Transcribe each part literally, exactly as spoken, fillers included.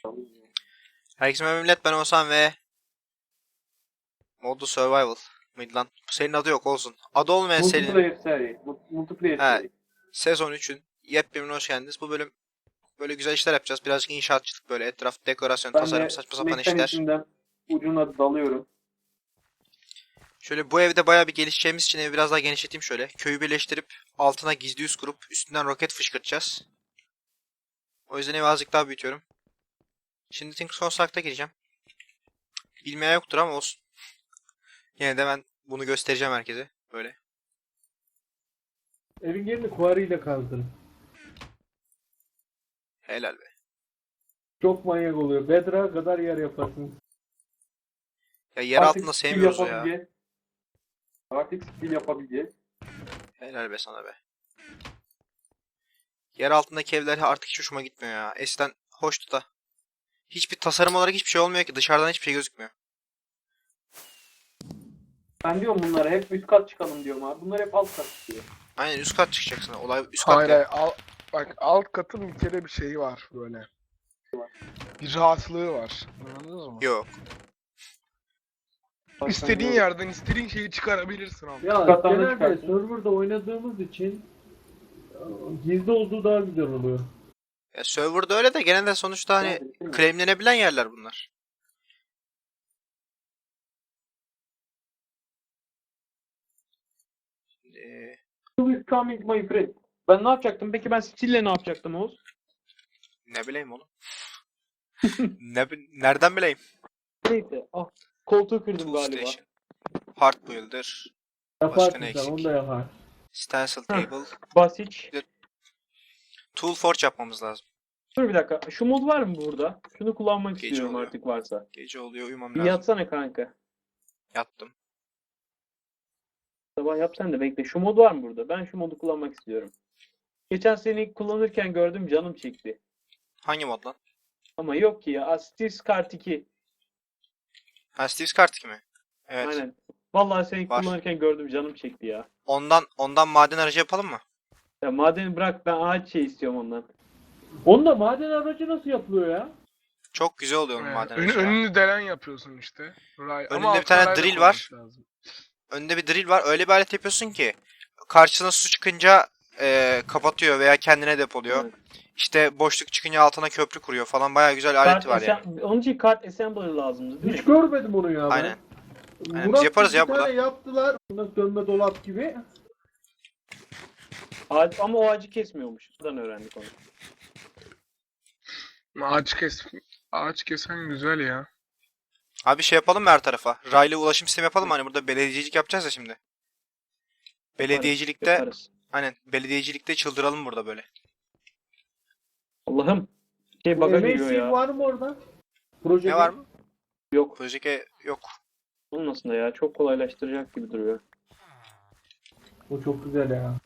Herkese merhaba millet, ben Oğuzhan ve Modu Survival mıydı lan? Bu serinin adı yok, olsun. Adı olmayan serinin Multiplayer seri. Mu- Multiplayer he, seri. sezon üçün yepyeni hoş geldiniz. Bu bölüm böyle güzel işler yapacağız. Birazcık inşaatçılık, böyle etraf dekorasyon, Ben tasarım, de saçma sapan işler. mekanizmden ucuna dalıyorum. Şöyle bu evde bayağı bir gelişeceğimiz için evi biraz daha genişleteyim şöyle. Köyü birleştirip altına gizli üs kurup üstünden roket fışkırtacağız. O yüzden evi azıcık daha büyütüyorum. Şimdi Think Construct'a gireceğim. Bilmeyen yoktur ama olsun. Yine de ben bunu göstereceğim herkese. Böyle. Evin yerini kuarıyla kazdın. Helal be. Çok manyak oluyor. Bedra kadar yer yaparsın. Ya yer Artık altında skill sevmiyoruz ya. yapabileceğiz. Artık skill yapabileceğiz. Helal be sana be. Yer altındaki evler artık hiç hoşuma gitmiyor ya. Eskiden hoştu da. Hiçbir tasarım olarak hiçbir şey olmuyor ki. Dışarıdan hiçbir şey gözükmüyor. Ben diyorum bunlara hep üst kat çıkalım diyorum abi. Bunlar hep alt kat çıkıyor. Aynen üst kat çıkacaksın. Olay üst kat Hayır ya. hayır, al, bak alt katın bir kere bir şeyi var böyle. Bir rahatlığı var. Anladınız mı? Yok. Bak İstediğin sen yerden istediğin şeyi çıkarabilirsin abi. Ya Katlarını genelde çıkarsın. serverda oynadığımız için e, gizli olduğu daha güzel oluyor. Ya serverda öyle de genelde sonuçta hani Yani, değil mi? claimlenebilen yerler bunlar. Ee, Who is coming my friend? Ben ne yapacaktım? Peki ben stille ne yapacaktım Oğuz? ne bileyim oğlum. ne, bi- nereden bileyim? Neyse. Ah, koltuğu kırdım Tool galiba. Station. Hard Builder. Başka Yaparsın ne sen, eksik? onu da yapar. Stencil Table. Basit. Tool Forge yapmamız lazım. Dur bir dakika. Şu mod var mı burada? Şunu kullanmak Gece istiyorum oluyor. artık varsa. Gece oluyor, uyumam Bir lazım. yatsana kanka. Yattım. Sabah yap sen de bekle. Şu mod var mı burada? Ben şu modu kullanmak istiyorum. Geçen seni kullanırken gördüm, canım çekti. Hangi mod lan? Ama yok ki ya. Astis Kart iki. Ha, Steve's Kart mi? Evet. Aynen. Vallahi seni Var. kullanırken gördüm, canım çekti ya. Ondan ondan maden aracı yapalım mı? Ya madeni bırak, ben ağaç şey istiyorum ondan. Onu da maden aracı nasıl yapılıyor ya? Çok güzel oluyor onun Yani maden ön- aracı ya. önünü delen yapıyorsun işte. Ray, Önünde ama bir tane altına ray da drill var. koymak lazım. Önünde bir drill var. Öyle bir alet yapıyorsun ki karşısına su çıkınca e, kapatıyor veya kendine depoluyor. Evet. İşte boşluk çıkınca altına köprü kuruyor falan. Bayağı güzel aleti var yani. assem- Onun için kart assembler lazımdı değil Hiç mi? görmedim onu ya ben. Aynen. Aynen, biz Murat yaparız bir ya tane burada. yaptılar. Buna dönme dolap gibi. Ağaç, ama o ağacı kesmiyormuş. Buradan öğrendik onu. Ağaç kes. Ağaç kesen güzel ya. Abi şey yapalım mı her tarafa? Raylı ulaşım sistemi yapalım mı? Hani burada belediyecilik yapacağız ya şimdi. Belediyecilikte Yaparız. aynen belediyecilikte çıldıralım burada böyle. Allah'ım. Şey baga giriyor M A C ya. var mı orada? Proje Ne var mı? Yok. Projeke yok. Olmasın da ya. Çok kolaylaştıracak gibi duruyor. O çok güzel ya.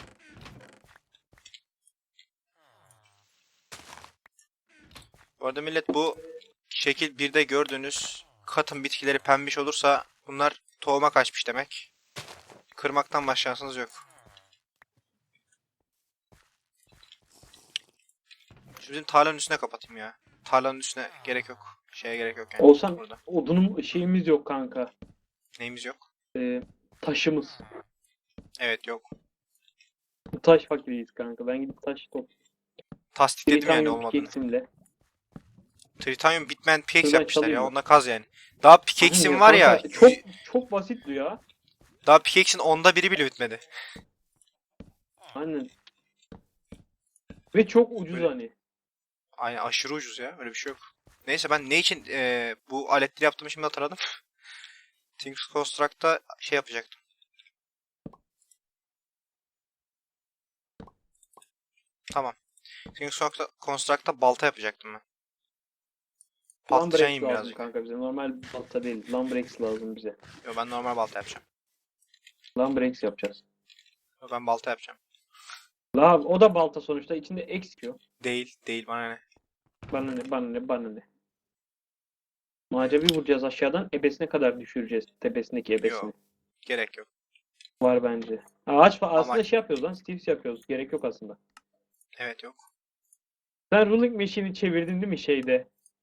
Bu arada millet, bu şekil birde gördüğünüz katın bitkileri pembiş olursa bunlar tohuma kaçmış demek. Kırmaktan başka şansınız yok. Şu bizim tarlanın üstüne kapatayım ya. Tarlanın üstüne gerek yok. Şeye gerek yok yani. Olsan Burada. odunum şeyimiz yok kanka. Neyimiz yok? Ee, taşımız. Evet yok. Taş fakiriyiz kanka. Ben gidip taş top. Tasdikledim yani Tritanyum olmadığını. pickaxe'imle. Tritanyum bitmeyen pickaxe Şuradan yapmışlar ya. çalayım mı? Onunla kaz yani. Daha pickaxe'im var ya. Kanka, çok çok basit bu ya. Daha pickaxe'in onda biri bile bitmedi. Aynen. Ve çok ucuz Böyle. hani. Aynen, aşırı ucuz ya. Öyle bir şey yok. Neyse, ben ne için eee, bu aletleri yaptığımı şimdi hatırladım. Things Construct'ta şey yapacaktım. Tamam. Things Construct'ta Construct'ta balta yapacaktım ben. Patlıcan Lumbrex yiyeyim lazım birazcık. kanka bize. Normal balta değil. Lumbrex lazım bize. Yo, ben normal balta yapacağım. Lumbrex yapacağız. Yo, ben balta yapacağım. La o da balta sonuçta. İçinde X diyor. Değil, değil, bana ne. Bana ne, bana ne, bana ne. Macevi vuracağız aşağıdan. Ebesine kadar düşüreceğiz. Tepesindeki ebesini. Yok. Gerek yok. Var bence. Ağaç fa- aslında Ama- şey yapıyoruz lan. Steves yapıyoruz. Gerek yok aslında. Evet, yok. Sen ruling machine'i çevirdin değil mi şeyde?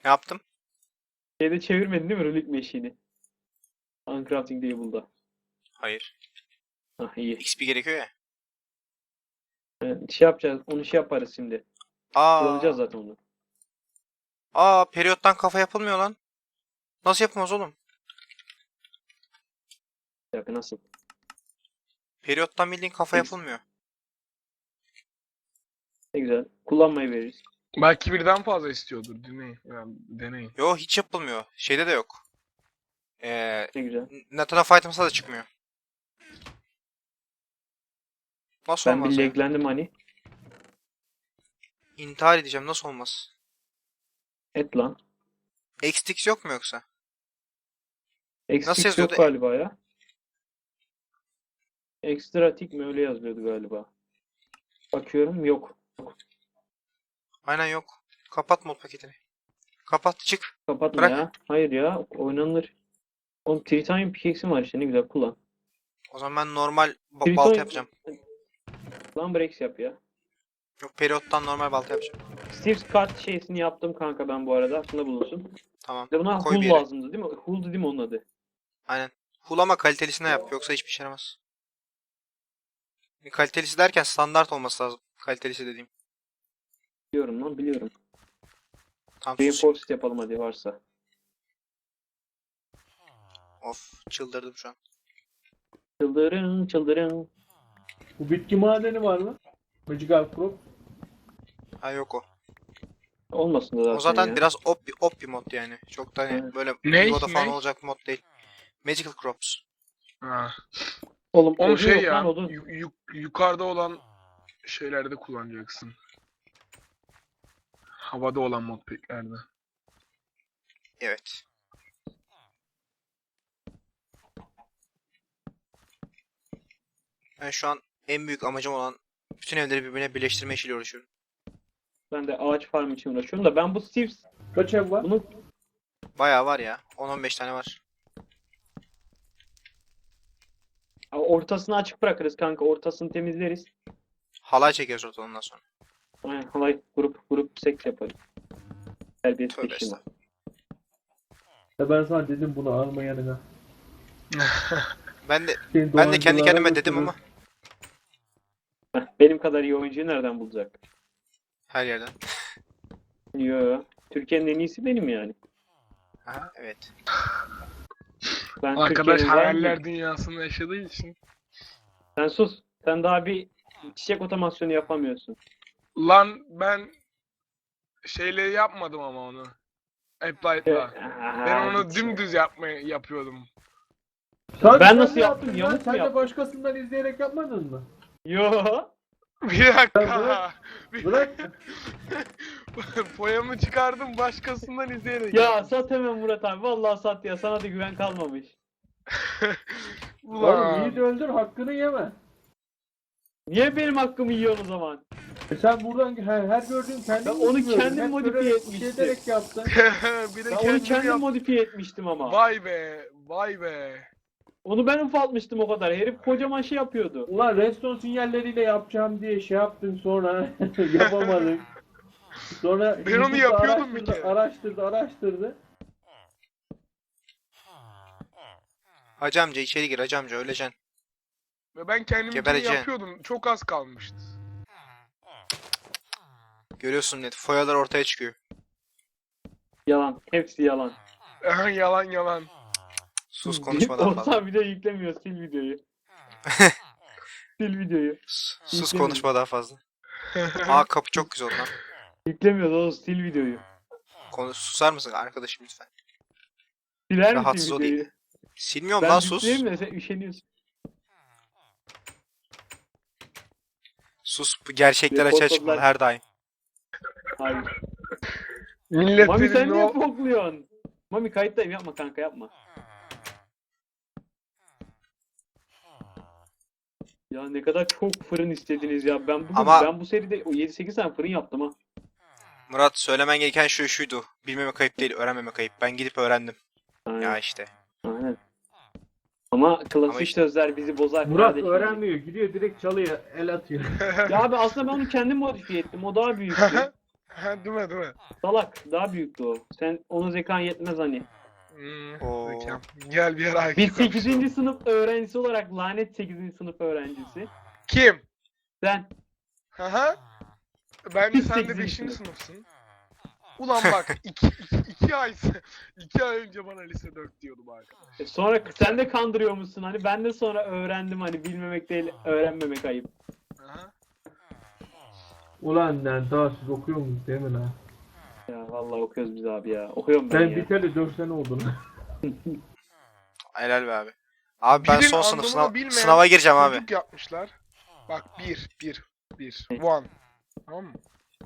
Ne yaptım? Şeyde çevirmedin değil mi Relic Machine'i? Uncrafting Table'da. Hayır. Ah iyi. X P gerekiyor ya. Evet, şey yapacağız. Onu şey yaparız şimdi. Aa, Kullanacağız zaten onu. aa periyottan kafa yapılmıyor lan. Nasıl yapılmaz oğlum? Bir dakika nasıl? Periyottan bildiğin kafa yapılmıyor. Ne güzel. Kullanmayı veririz. Belki birden fazla istiyordur. Deneyin. Yani deneyin. Yo hiç yapılmıyor. Şeyde de yok. Ee, Ne güzel. Nathan of Items'a da çıkmıyor. Nasıl Ben olmaz bir ya? laglendim hani. İntihar edeceğim. Nasıl olmaz? Et lan. X T X yok mu yoksa? X Nasıl X yok yazıyordu? galiba ya. Extra tick mi öyle yazıyordu galiba. Bakıyorum yok. Aynen yok. Kapat mod paketini. Kapat çık. Kapatma Bırak. ya. Hayır ya. Oynanır. Oğlum Tritanium pickaxe'im var işte ne güzel kullan. O zaman ben normal ba- Tritanium- balta yapacağım. Lan breaks yap ya. Yok periyottan normal balta yapacağım. Steve's kart şeysini yaptım kanka ben bu arada. Aklında bulunsun. Tamam. Bir de buna Koy bir hull yere. lazımdı değil mi? Hull değil mi onun adı? Aynen. Hulama kalitelisine yap. Yoksa hiçbir şey yaramaz. Kalitelisi derken standart olması lazım. Kalitelisi dediğim. Biliyorum lan biliyorum. Tam sus. Reinforced yapalım hadi varsa. Of çıldırdım şu an. Çıldırın çıldırın. Bu bitki madeni var mı? Magical Crop. Ha yok o. Olmasın da zaten O zaten ya. biraz op, op bir mod yani. Çok da hani Evet. böyle Ne? Vivo'da falan Ne? olacak bir mod değil. Magical Crops. Ha. Oğlum Onun odun şey yok ya. lan odun. yu- yu- yukarıda olan şeylerde kullanacaksın. Havada olan modpacklerde. Evet. Ben şu an en büyük amacım olan bütün evleri birbirine birleştirme işiyle uğraşıyorum. Ben de ağaç farm için uğraşıyorum da ben bu Steve's Kaç ev var? bunu Bayağı var ya. on on beş tane var. ortasını açık bırakırız kanka. Ortasını temizleriz. Halay çekeriz ortadan ondan sonra. Aynen halay grup grup seks yaparız. Terbiyesiz Tövbe bir şey var. estağfurullah. Ya ben sana dedim bunu alma yanına. Ben de Seni ben de kendi dolandırılara kendime dedim götürür. ama Heh, benim kadar iyi oyuncuyu nereden bulacak? her yerden. Yo. Türkiye'nin en iyisi benim yani. Aha, evet. Ben Arkadaş Türkiye'nin var hayaller mı? dünyasında yaşadığı için. Sen sus. Sen daha bir çiçek otomasyonu yapamıyorsun. Lan ben şeyle yapmadım ama onu. Applied'la. Ben onu dümdüz yapmaya yapıyordum. Sen- Ben sen nasıl ne yaptım? yaptın Yamuk lan? mu Sen de yaptım? başkasından izleyerek yapmadın mı? Yo. Bir dakika. bırak. Bir Bırak. Poyamı çıkardım başkasından izleyerek. Ya sat hemen Murat abi. Vallahi sat ya. Sana da güven kalmamış. Oğlum Ulan. yiğit öldür hakkını yeme. Niye benim hakkımı yiyorsun o zaman? E sen buradan her, her gördüğün kendin Ben onu yapıyorsun. kendim Hep modifiye böyle etmiştim. Şey ederek yaptın. Bir de Ben onu kendim kendim yap- modifiye etmiştim ama. Vay be. Vay be. Onu ben ufaltmıştım o kadar. Herif kocaman şey yapıyordu. Ulan redstone sinyalleriyle yapacağım diye şey yaptın sonra yapamadık. Sonra Ben onu YouTube'da yapıyordum bir araştırdı, kere. Araştırdı, araştırdı. Hacı amca içeri gir hacı amca öleceksin. Ve ben kendimi Gebereceksin. yapıyordum. Çok az kalmıştı. Görüyorsun net. Foyalar ortaya çıkıyor. Yalan. Hepsi yalan. Aha, yalan yalan. Sus konuşmadan fazla. Oğuzhan video yüklemiyor. Sil videoyu. Sil videoyu. Sus, sus Yüklemiyor. konuşma daha fazla. Aa kapı çok güzel oldu lan. Yüklemiyor Oğuz. Sil videoyu. Konu susar mısın arkadaşım lütfen? Siler Rahatsız misin ol videoyu? iyi. Silmiyorum Ben lan sus. yükleyeyim de sen üşeniyorsun. Sus bu gerçekler Bir açığa fotoğraflar- çıkmalı her daim. Hayır. Millet Mami sen benim niye o... pokluyorsun? Mami kayıttayım yapma kanka yapma. Ya ne kadar çok fırın istediniz ya. Ben bugün Ama- ben bu seride o yedi sekiz tane fırın yaptım ha. Murat söylemen gereken şu şuydu. Bilmeme kayıp değil öğrenmeme kayıp. Ben gidip öğrendim. Aynen. Ya işte. Aynen. Ama klasik Ama işte- sözler bizi bozar Murat kardeşim. öğrenmiyor, gidiyor direkt çalıyor, el atıyor. Ya abi aslında ben onu kendim modifiye ettim. O daha büyüktü. Ha, değil mi değil mi? Salak daha büyüktü o. Sen onun zekan yetmez hani. Hmm, Oo. zekam. Gel bir yer Biz I Q konuşalım. sekizinci sınıf öğrencisi olarak lanet sekizinci sınıf öğrencisi. Kim? Sen Haha. Bence Biz sen de sekizinci beşinci sınıf. sınıfsın. Ulan bak iki, iki, iki ay iki ay önce bana lise dört diyordum arkadaş. e, sonra sen de kandırıyormuşsun hani ben de sonra öğrendim hani bilmemek değil öğrenmemek ayıp. Aha. Ulan lan daha siz okuyor musunuz değil mi lan? Ya vallahi okuyoruz biz abi ya. Okuyorum ben Ben ya. biteli dört sene oldu lan. Helal be abi. Abi ben Birin son sınıf anlamını sınav bilmeyen sınava gireceğim abi. Çocuk yapmışlar. Bak bir, bir, bir. One. Tamam mı?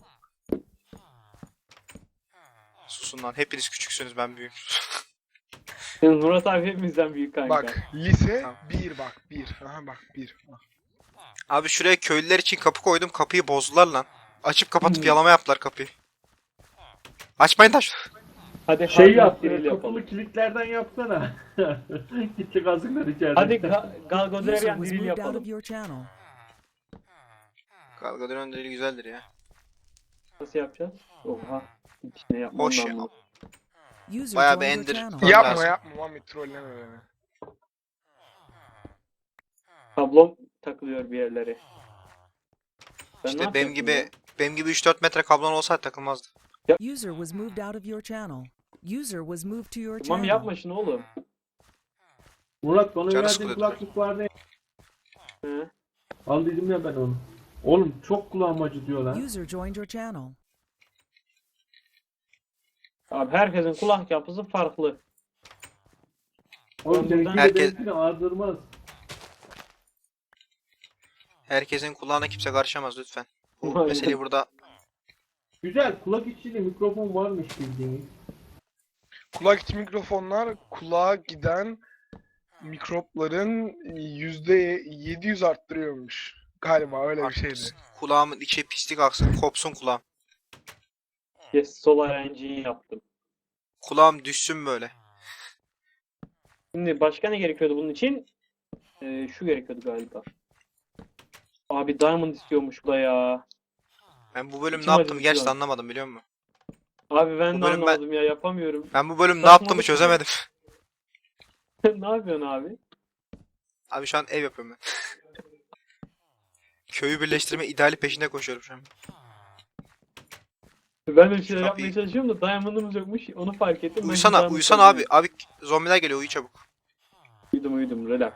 Susun lan. Hepiniz küçüksünüz, ben büyüğüm. Murat abi hepimizden büyük kanka. Bak lise Tamam. bir bak bir. Aha bak bir. Bak. Abi şuraya köylüler için kapı koydum. Kapıyı bozdular lan. Açıp kapatıp Hmm. yalama yaptılar kapıyı. Açmayın taş. Hadi Şey hard yap, drill e, yapalım. kapılı kilitlerden yapsana. Gitti kazıklar içeride. Hadi Ga- User Galgodrerian was drill moved out yapalım. of your channel. Galgadon deli güzeldir ya. Nasıl yapacağız? Oha. Hiç ne yapmam Hoş ya. ben bunu. User Bayağı bir joined your ender- channel. Tamam, Yapma lazım. yapma Mami trolleme beni. Tablom takılıyor bir yerlere. Ben ne İşte benim yapacaktım gibi ya? benim gibi üç dört metre kablon olsaydı takılmazdı. User was moved out of your channel. User was moved to your Tamam channel. yapma şunu oğlum. Murat bana Canı verdiğin sıkılıyor. kulaklık vardı. He. Al dedim ya ben onu. Oğlum çok kulağım acıtıyor lan. User joined your channel. Abi herkesin kulak yapısı farklı. Oğlum Ben seninki buradan- de Herkes- benimkini ağırdırmaz. Herkesin kulağına kimse karışamaz lütfen. Bu Aynen. meseleyi burada Güzel kulak içinde mikrofon varmış bildiğiniz. Kulak içi mikrofonlar kulağa giden mikropların yüzde yedi yüz arttırıyormuş. Galiba öyle bir şeydi. kulağımın içi pislik aksın, kopsun kulağım. Yes, Solar N G'yi yaptım. Kulağım düşsün böyle. Şimdi başka ne gerekiyordu bunun için? Ee, şu gerekiyordu galiba. Abi Diamond istiyormuş bu da ya. Ben bu bölüm ne İçim yaptım acıdı gerçekten şu an. anlamadım, biliyor musun? Abi ben Bu de bölüm ben- anlamadım ya yapamıyorum. Ben bu bölüm ne Saçmalık yaptığımı ya. çözemedim. Ne yapıyorsun abi? Abi şu an ev yapıyorum ben. Köyü birleştirme ideali peşinde koşuyorum şu an. Ben de bir şeyler Şu yapmaya kapıyı- çalışıyorum da Diamond'ımız yokmuş. Onu fark ettim. Ben Uyusana, Diamond uyusana abi. kazıyorum. Abi zombiler geliyor, uyu çabuk. Uyudum uyudum relax.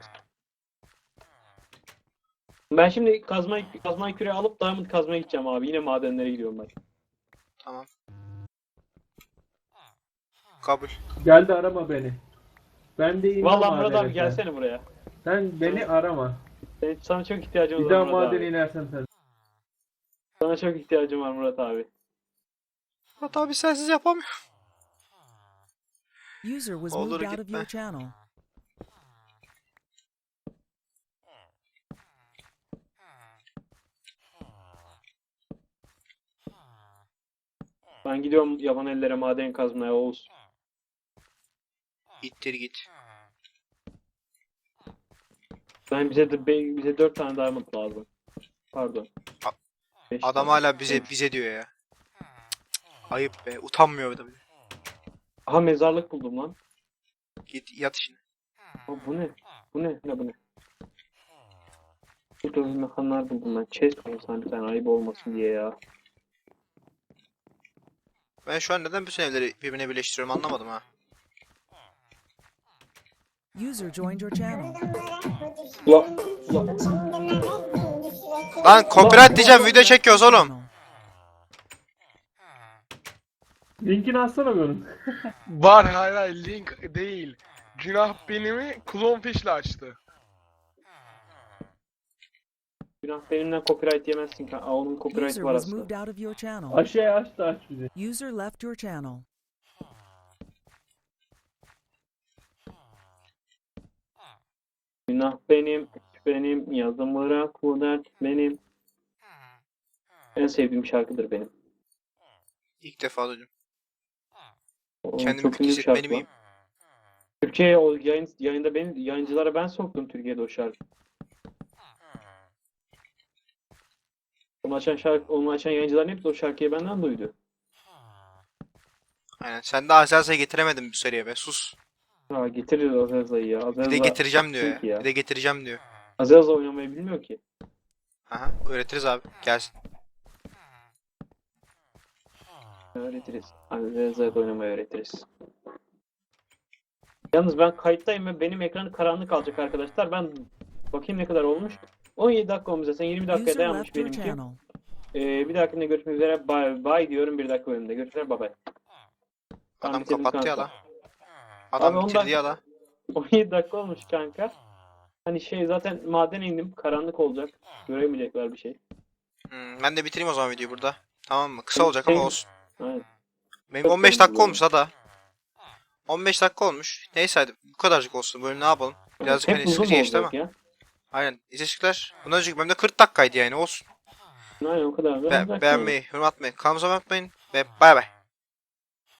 Ben şimdi kazma kazma küreği alıp Diamond kazmaya gideceğim abi. Yine madenlere gidiyorum ben. Tamam. Kabul. Geldi arama beni. Ben de inmem Vallahi Murat abi madene sen. gelsene buraya. Sen beni arama. Senin, sana çok ihtiyacım Bir var daha Murat madene abi. inersen sen. Sana çok ihtiyacım var Murat abi. Murat abi sensiz yapamıyorum. User was Olur, moved out of gitme. your channel. Ben gidiyorum yaban ellere maden kazmaya Oğuz. İttir git. Ben bize de be- bize dört tane diamond lazım. Pardon. A- Beş Adam tane. hala bize bize diyor ya. Cık, cık. Ayıp be. Utanmıyor bir de. Aha mezarlık buldum lan. Git yat işine. Aa, bu ne? Bu ne? Ne bu ne? Burada mekanlar buldum ben. Chest koysam bir tane ayıp olmasın diye ya. Ben şu an neden bütün evleri birbirine birleştiriyorum anlamadım ha. User joined your channel. Ula, ula. Lan copyright diyeceğim, video çekiyoruz oğlum. Linkini atsana benim. Var hayır hayır link değil. Günah benimi Clownfish'le açtı. Günah benimle copyright yemezsin. Aa, onun copyright User var was aslında. moved out of your channel. Aşağıya aç da aç bizi. User left your channel. Günah benim, benim, yazım bırak bu dert benim. En sevdiğim şarkıdır benim. İlk defa duydum. O Kendimi çok kötü ünlü bir hissetmeli şarkı lan. miyim? Türkiye'ye o yayın, yayında ben yayıncılara ben soktum Türkiye'de o şarkı. Onu açan şarkı, onu açan yayıncıların hepsi o şarkıyı benden duydu. Aynen. Sen de Azaza'yı getiremedin bu seriye be. Sus. Ha getirir Azaza'yı ya. Bir de Azaza getireceğim diyor Çünkü ya. ya. Bir de getireceğim diyor. Azaza oynamayı bilmiyor ki. Aha, öğretiriz abi. Gelsin. Öğretiriz. Azaza'ya oynamayı öğretiriz. Yalnız ben kayıttayım ve benim ekranı karanlık kalacak arkadaşlar. Ben bakayım ne kadar olmuş. on yedi dakika olmuş zaten. yirmi dakikaya User dayanmış left your benimki. channel. Ee, bir dahakinde görüşmek üzere. Bye bye diyorum bir dakika bölümde. Görüşürüz. Bye bye. Tamam, Adam bitirdim kapattı ya kanka. da. Adam Abi bitirdi ondan- ya da. on yedi dakika olmuş kanka. Hani şey zaten madene indim. Karanlık olacak. Göremeyecekler bir şey. Hmm, ben de bitireyim o zaman videoyu burada. Tamam mı? Kısa olacak ama Şey- olsun. Aynen. Benim Çok on beş komik dakika bu olmuş da. on beş dakika olmuş. Neyse hadi bu kadarcık olsun. Böyle ne yapalım? Birazcık Hep hani uzun sıkıcı geçti ama. olacak ya. Aynen. İzleyiciler. Bundan önceki bölümde kırk dakikaydı yani olsun. Aynen o kadar. da Be olacak beğenmeyi, yorum atmayı, kanalımıza abone olmayı unutmayın. Ve bay bay.